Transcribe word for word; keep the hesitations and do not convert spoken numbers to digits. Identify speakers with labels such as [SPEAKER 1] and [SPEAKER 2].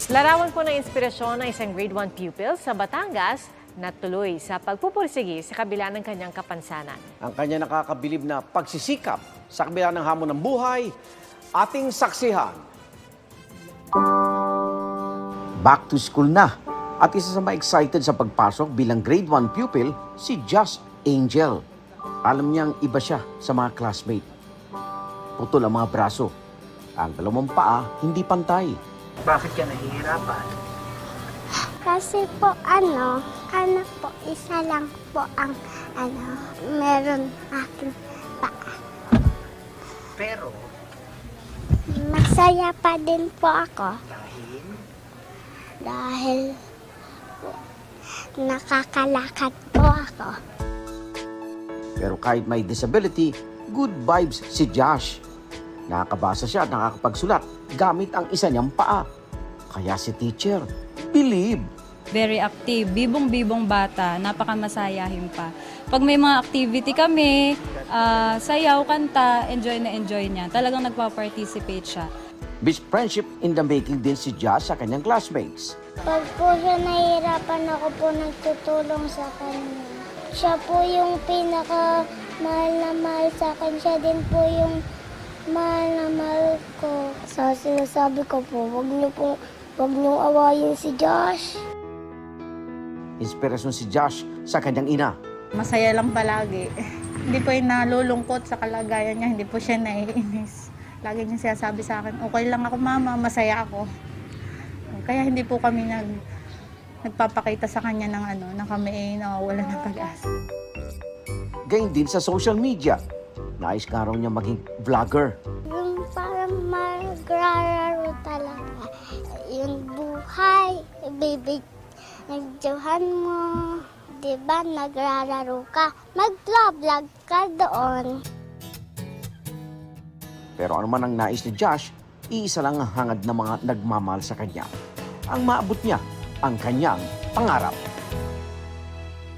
[SPEAKER 1] Larawan po ng inspirasyon ng isang grade one pupil sa Batangas na tuloy sa pagpupursigi sa kabila ng kanyang kapansanan.
[SPEAKER 2] Ang kanya nakakabilib na pagsisikap sa kabila ng hamon ng buhay, ating saksihan. Back to school na at isa sa ma-excited sa pagpasok bilang grade one pupil, si Just Angel. Alam niyang iba siya sa mga classmate. Putol ang mga braso. Ang dalawang paa hindi pantay.
[SPEAKER 3] Bakit ka nahihirapan?
[SPEAKER 4] Kasi po ano, ano po, isa lang po ang ano, meron aking paa.
[SPEAKER 3] Pero,
[SPEAKER 4] Masaya pa din po ako
[SPEAKER 3] dahil
[SPEAKER 4] dahil po, nakakalakad po ako.
[SPEAKER 2] Pero kahit may disability, good vibes si Josh. Nakakabasa siya at nakakapagsulat gamit ang isa niyang paa. Kaya si teacher, believe.
[SPEAKER 5] Very active, bibong-bibong bata, napakamasayahin pa. Pag may mga activity kami, ah, sayaw, kanta, enjoy na enjoy niya. Talagang nagpa-participate siya.
[SPEAKER 2] Best friendship in the making din si Josh sa kanyang classmates.
[SPEAKER 4] Pag po siya nahihirapan, ako po nagtutulong sa kanya. Siya po yung pinaka mahal na mahal sa akin. Siya din po yung mahal na mahal ko. Sa sinasabi ko po, wag niyo po, wag niyo awayin si Josh.
[SPEAKER 2] Inspirasyon si Josh sa kanyang ina.
[SPEAKER 6] Masaya lang palagi. Hindi po yung nalulungkot sa kalagayan niya, hindi po siya naiinis. Lagi niya sinasabi sa akin, okay lang ako mama, masaya ako. Kaya hindi po kami nag, nagpapakita sa kanya ng ano, na kami ay nawawala ng pag-asa.
[SPEAKER 2] Gayun din sa social media. Nais nga raw niya maging vlogger.
[SPEAKER 4] Yung parang magrararo talaga. Yung buhay, bibig, nagdiyohan mo. Diba, nagrararo ka. Mag-vlog ka doon.
[SPEAKER 2] Pero ano man ang nais ni Josh, iisa lang ang hangad ng mga nagmamahal sa kanya. Ang maabot niya ang kanyang pangarap.